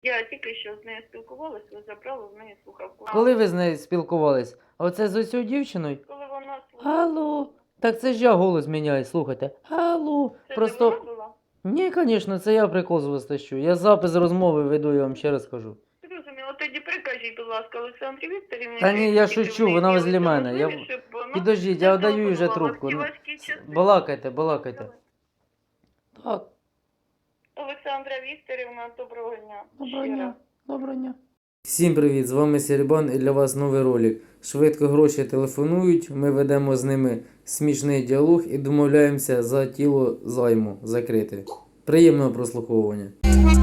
Я тільки що з нею спілкувалася, ви забрали в неї слухавку. Коли ви з нею спілкувались? А оце з оцю дівчиною? Коли вона слухала. Алло. Так це ж я голос міняю, слухайте. Алло. Це Просто. вона була? Ні, звісно, це я прикол з вас тащу. Я запис розмови веду, я вам ще раз кажу. Зрозуміло. Тоді прикажіть, будь ласка, Олександрі Вікторівні. Та ні, я що шучу, в вона неї возле є мене. можливість, щоб вона Підождіть, я отдаю вже зателефонувала трубку. в ці Ну, важкі часи. балакайте, балакайте. Так, Олександра Вікторівна, доброго дня. доброго Ще дня. раз. Доброго дня. Всім привіт, з вами Серебан і для вас новий ролик. Швидко гроші телефонують, ми ведемо з ними смішний діалог і домовляємося за тіло займу закрити. Приємного прослуховування.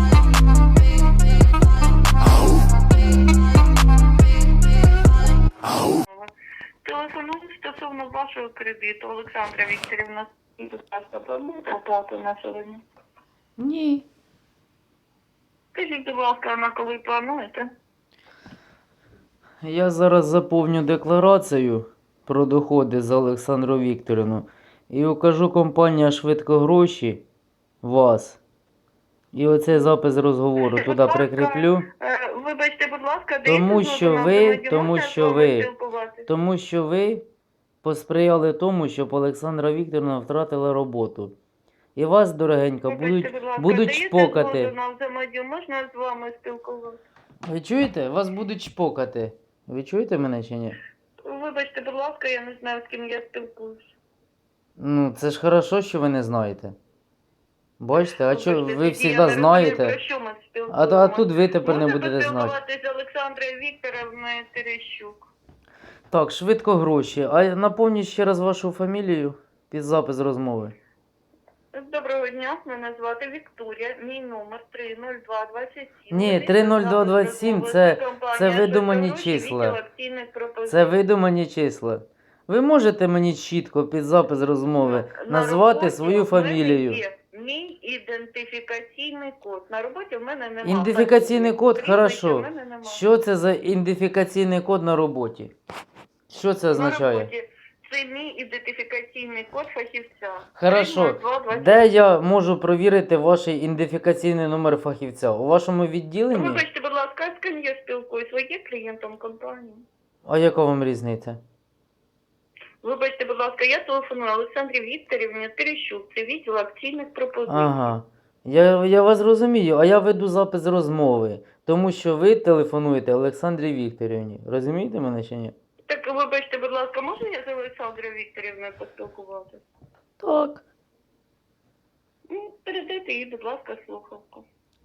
Телефоную стосовно вашого кредиту, Олександра Вікторівна. Будь ласка, плануєте оплату на сьогодні? Ні. Скажіть, будь ласка, на коли плануєте? Я зараз заповню декларацію про доходи за Олександру Вікторівну і укажу компанія «Швидко гроші» вас. І оцей запис розговору туди Будь ласка, прикріплю. Вибачте, будь ласка, Тому даєте що згоду на ви- взаємодію? тому Можна що з вами ви- спілкуватися? Тому що ви посприяли тому, щоб Олександра Вікторівна втратила роботу. І вас, дорогенька, Вибачте, будь ласка, будуть даєте чпокати. згоду на взаємодію? Можна з вами спілкуватися? Ви чуєте? Вас будуть чпокати. Ви чуєте мене чи ні? Вибачте, будь ласка, я не знаю, з ким я спілкуюся. Ну, це ж хорошо, що ви не знаєте. Бачите, а що Вибачте, ви тоді я завжди не знаєте? розумію, про що ми А спілкуємося. тут ви тепер не Можна будете знати. поспілкуватися з Олександрою Вікторовною Терещук. Так, швидко гроші. А напомніть ще раз вашу фамілію під запис розмови. Доброго дня, мене звати Вікторія, мій номер 30227. Ні, 30227 це видумані числа. Це видумані числа. Ви можете мені чітко під запис розмови назвати свою фамілію? Мій ідентифікаційний код. На роботі в мене немає. Ідентифікаційний код, Прізвища хорошо. в мене немає. Що це за ідентифікаційний код на роботі? Що це На означає? роботі це мій ідентифікаційний код фахівця. Хорошо. 30227. Де я можу провірити ваш ідентифікаційний номер фахівця? У вашому відділенні? Вибачте, будь ласка, з ким я спілкуюсь? Ви є клієнтом компанії? А яка вам різниця? Вибачте, будь ласка, я телефоную Олександрі Вікторівні Терещук. Це відділ акційних пропозицій. Ага. Я вас розумію, а я веду запис розмови, тому що ви телефонуєте Олександрі Вікторівні. Розумієте мене чи ні? Так, вибачте, будь ласка, можна я з Олександрою Вікторівною поспілкуватися? Так. Ну, передайте їй, будь ласка, слухавку.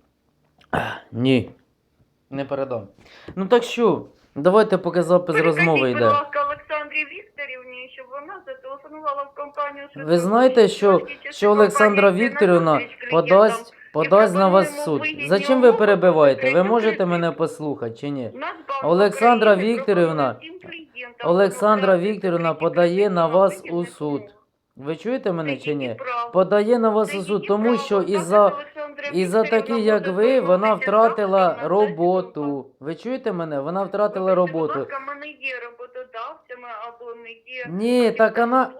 Ні. Не передам. Ну так що, давайте поки запис розмови Передайте, будь йде. ласка, Олександрі Вікторівні, щоб вона зателефонувала в компанію «Швидко Ви знаєте, гроші». що, Трошки часи що Олександра компанія йде на Вікторівна зустріч клієнтам. подасть на вас в суд? пропонуємо вигідні Зачем ви умови перебиваєте? Ви закрити можете кредит. мене послухати чи ні? Нацбанк Олександра України Вікторівна- пропонує всім клієнтам Олександра замовляти Вікторівна закриті подає кредити на вас у вигідних суд. умов. Ви чуєте мене чи ні? Це її право. Подає на вас Це у її суд, тому право. що Запит із-за Олександра із-за Вікторівна таких, як буде ви, вона проводити втратила завтра на роботу. Ви чуєте мене? Вона втратила Вибачте, роботу. Будь ласка, ми не є роботодавцями або не є... Ні, так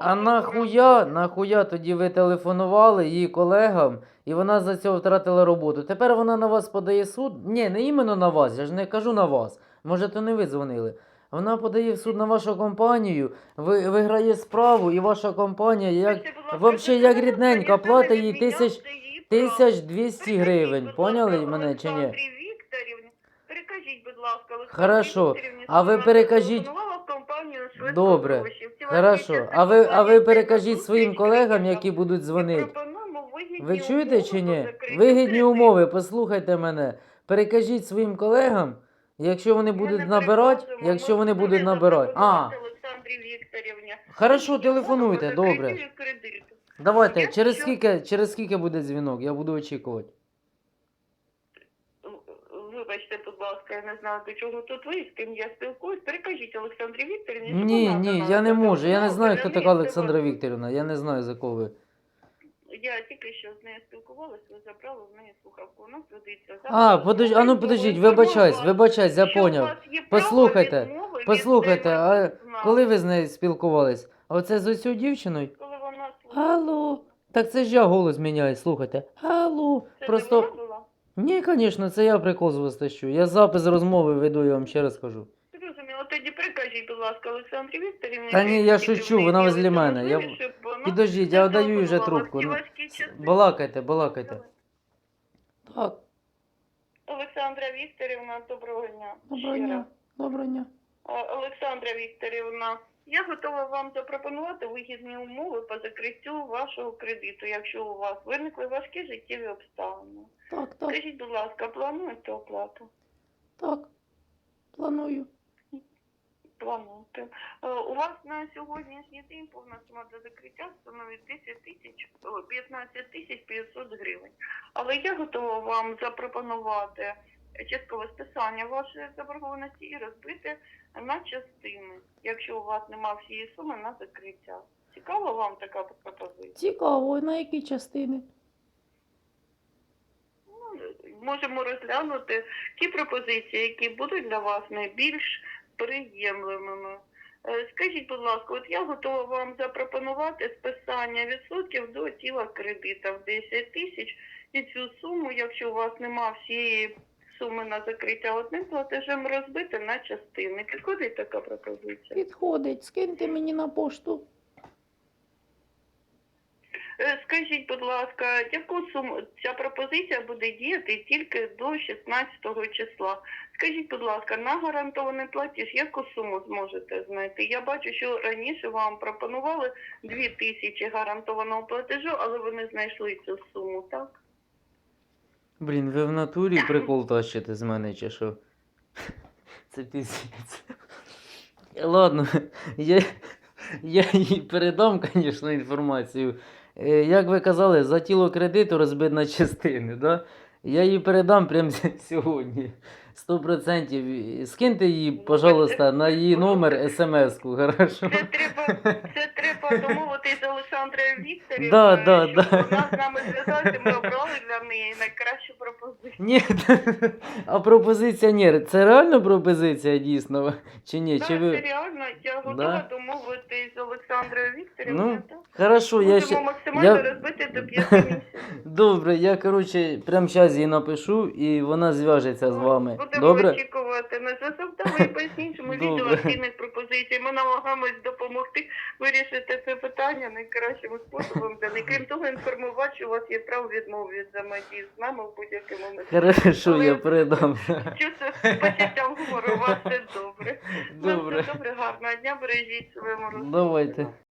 нахуя тоді ви телефонували її колегам, і вона за цього втратила роботу. Тепер вона на вас подає суд. Ні, не іменно на вас, я ж не кажу на вас. Може, то не ви дзвонили. Вона подає в суд на вашу компанію, виграє справу, і ваша компанія, як Вибачте, будь ласка, вообще це як не рідненька, можна, платить я їй не відміняв, це її право. 1200 гривень. Перекажіть, будь Поняли ласка, мене чи ні? Олександрі Вікторівні. Перекажіть, будь ласка, Олександрі Хорошо. Вікторівні, А ви що вона перекажіть- зателефонувала в компанію «Швидко Добре. гроші». Всі ваші Хорошо. часи А ви компанії перекажіть йде на своїм зустріч колегам, клієнтам. які будуть І дзвонити. пропонуємо вигідні Ви чуєте чи умови ні? по закриттю Вигідні кредиту. умови, послухайте мене. Перекажіть своїм колегам, якщо вони Ми будуть не набирати, переказуємо, якщо ми вони готові будуть набирати. запропонувати Олександрі Вікторівні. Хорошо, Вигідні умови телефонуйте, по добре. закриттю кредиту. Давайте, Я через скільки буде дзвінок, я буду очікувати. Вибачте, будь ласка, я не знаю, до чого тут ви, з ким я спілкуюсь. Перекажіть Олександрі Вікторівні, щоб Ні, вона ні, до я нас не можу. Я не зателефонувала, знаю, хто така передає Олександра вас. Вікторівна. Я не знаю, за кого ви. Я тільки що з нею спілкувалася, ви забрали в неї слухавку. У нас ведеться Подождіть, вибачаюсь, я поняв. Послухайте, а коли ви з нею спілкувались? А оце з оцю дівчиною? Коли вона слухала. Алло. Так це ж я голос міняю, слухайте. Алло. Це Просто. вона була? Ні, звісно, це я прикол звостащу. Я запис розмови веду, я вам ще раз кажу. Зрозуміло. Тоді прикажіть, будь ласка, Олександрі Вікторівні. Та ні, я тільки в шучу, неї вона возле з'явиться мене. можливість, щоб вона Підождіть, я отдаю вже зателефонувала трубку. в ті Ну, важкі часи. балакайте, балакайте. Так, Олександра Вікторівна, доброго дня. доброго Ще дня. раз. Доброго дня. Олександра Вікторівна, я готова вам запропонувати вигідні умови по закриттю вашого кредиту, якщо у вас виникли важкі життєві обставини. Так, Скажіть, будь ласка, плануєте оплату? так. Планую. Плануєте. У вас на сьогоднішній день повна сума до закриття становить 15 тисяч 500 гривень. Але я готова вам запропонувати часткове списання вашої заборгованості і розбити на частини, якщо у вас нема всієї суми на закриття. Цікава вам така пропозиція? Цікаво, на які частини? Можемо розглянути ті пропозиції, які будуть для вас найбільш приємливими. Скажіть, будь ласка, от я готова вам запропонувати списання відсотків до тіла кредита в 10 тисяч. І цю суму, якщо у вас нема всієї суми на закриття одним платежем, розбити на частини. Підходить така пропозиція? Підходить. Скиньте мені на пошту. Скажіть, будь ласка, яку суму ця пропозиція буде діяти тільки до 16 числа? Скажіть, будь ласка, на гарантований платіж яку суму зможете знайти? Я бачу, що раніше вам пропонували 2000 гарантованого платежу, але ви не знайшли цю суму, так? Блін, ви в натурі прикол тащите з мене чи що? Це піздець. Ладно, я їй передам, звісно, інформацію. Як ви казали, за тіло кредиту розбити на частини, да? Я їй передам прямо сьогодні. 100%. Скиньте їй, пожалуйста, на її номер смс-ку, хорошо? Це треба домовитись з Олександрою Вікторівною, Да. щоб вона з нами зв'язалася, ми обрали для неї найкращу пропозицію. Ні, а пропозиція ні. Це реально пропозиція дійсно? Чи ні? Так, Чи це ви... реально, я готова Да? домовитись з Олександрою Вікторівною. Ну, так? хорошо, я Будемо ще... максимально я- розбити до 5 місяців. Добре, я, коротше, прямо зараз їй напишу, і вона зв'яжеться з вами. Будемо Добре? очікувати на зв'язок. Давай поясніть, що ми Добре. відділ активних пропозицій. Ми намагаємось допомогти вирішити це питання найкращим способом. Крім того, інформувати, що у вас є право відмови від взаємодії з нами в будь-який момент. Хорошо, Але- я передам. Чувство з почуттям гумору, у вас все добре. Добре. Добре, гарного дня, бережіть своєму розуму. Давайте.